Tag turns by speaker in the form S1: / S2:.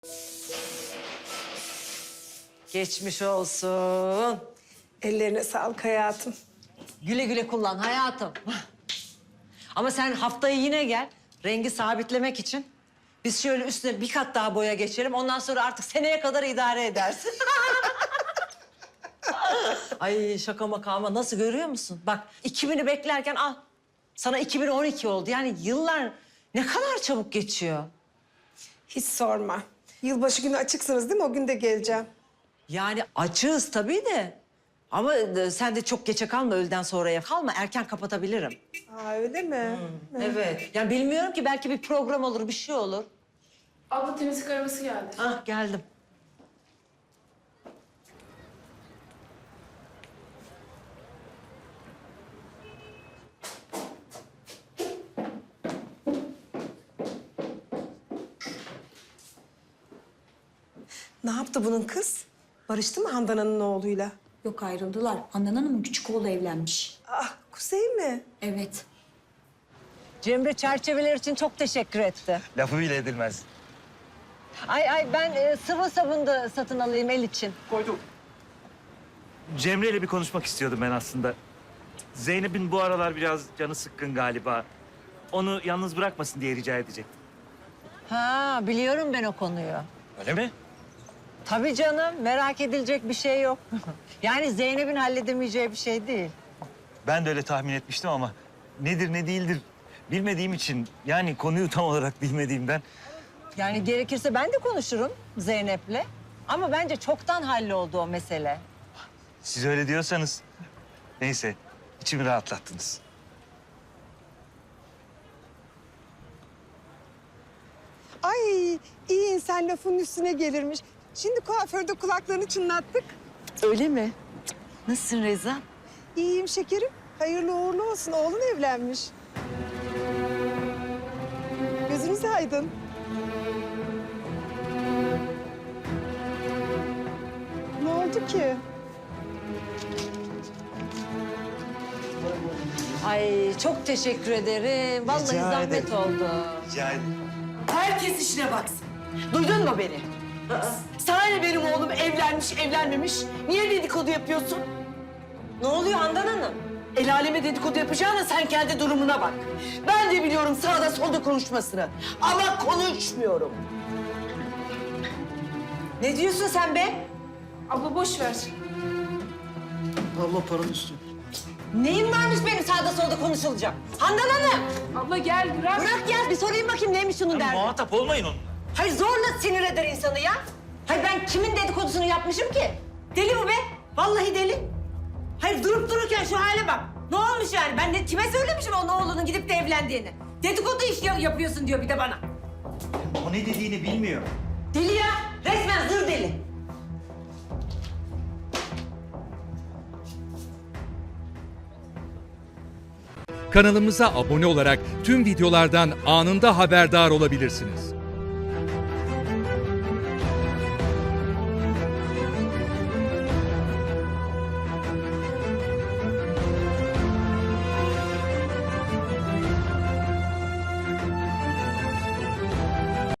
S1: Geçmiş olsun.
S2: Ellerine sağlık hayatım.
S1: Güle güle kullan hayatım. Ama sen haftayı yine gel. Rengi sabitlemek için. Biz şöyle üstüne bir kat daha boya geçelim. Ondan sonra artık seneye kadar idare edersin. Ay şaka maka ama nasıl görüyor musun? Bak 2000'i beklerken al. Sana 2012 oldu. Yani yıllar ne kadar çabuk geçiyor.
S2: Hiç sorma. Yılbaşı günü açıksınız değil mi? O gün de geleceğim.
S1: Yani açığız tabii de. Ama sen de çok geçe kalma, öğleden sonraya kalma. Erken kapatabilirim.
S2: Aa öyle mi?
S1: Evet. Yani bilmiyorum ki, belki bir program olur, bir şey olur.
S3: Abla temizlik arabası geldi.
S1: Ah geldim.
S2: Ne yaptı bunun kız? Barıştı mı Handan Hanım'ın oğluyla?
S4: Yok, ayrıldılar. Handan Hanım'ın küçük oğlu evlenmiş.
S2: Ah Kuzey mi?
S4: Evet.
S1: Cemre çerçeveler için çok teşekkür etti.
S5: Lafı bile edilmez.
S1: Ay ben sıvı sabun da satın alayım el için.
S5: Koydum. Cemre ile bir konuşmak istiyordum ben aslında. Zeynep'in bu aralar biraz canı sıkkın galiba. Onu yalnız bırakmasın diye rica edecektim.
S1: Ha biliyorum ben o konuyu.
S5: Öyle mi?
S1: Tabii canım, merak edilecek bir şey yok. Yani Zeynep'in halledemeyeceği bir şey değil.
S5: Ben de öyle tahmin etmiştim ama nedir ne değildir bilmediğim için, yani konuyu tam olarak bilmediğimden.
S1: Yani gerekirse ben de konuşurum Zeynep'le. Ama bence çoktan halloldu o mesele.
S5: Siz öyle diyorsanız neyse, içimi rahatlattınız.
S2: Ay iyi insan lafın üstüne gelirmiş. Şimdi kuaförde kulaklarını çınlattık.
S1: Öyle mi? Nasılsın Reza?
S2: İyiyim şekerim. Hayırlı uğurlu olsun. Oğlun evlenmiş. Gözünüz aydın. Ne oldu ki?
S1: Ay çok teşekkür ederim. Vallahi
S5: Rica
S1: zahmet
S5: ederim.
S1: oldu.
S5: Rica ederim.
S6: Herkes işine baksın. Duydun mu beni? Sana ne benim oğlum evlenmiş, evlenmemiş? Niye dedikodu yapıyorsun?
S1: Ne oluyor Handan Hanım?
S6: El aleme dedikodu yapacağına sen kendi durumuna bak. Ben de biliyorum sağda solda konuşmasını. Ama konuşmuyorum.
S1: Ne diyorsun sen be?
S3: Abla boş ver.
S7: Abla paranın üstü.
S1: Neyim varmış benim sağda solda konuşulacak? Handan Hanım!
S3: Abla gel bırak.
S1: Bırak ya, bir sorayım bakayım neymiş şunun derdi.
S5: Muhatap olmayın onunla.
S1: Hayır zorla sinir eder insanı ya. Hayır ben kimin dedikodusunu yapmışım ki? Deli bu be. Vallahi deli. Hayır durup dururken şu hale bak. Ne olmuş yani? Ben de kime söylemişim onun oğlunun gidip de evlendiğini? Dedikodu iş yapıyorsun diyor bir de bana.
S5: O ne dediğini bilmiyor.
S1: Deli ya. Resmen zır deli.
S8: Kanalımıza abone olarak tüm videolardan anında haberdar olabilirsiniz.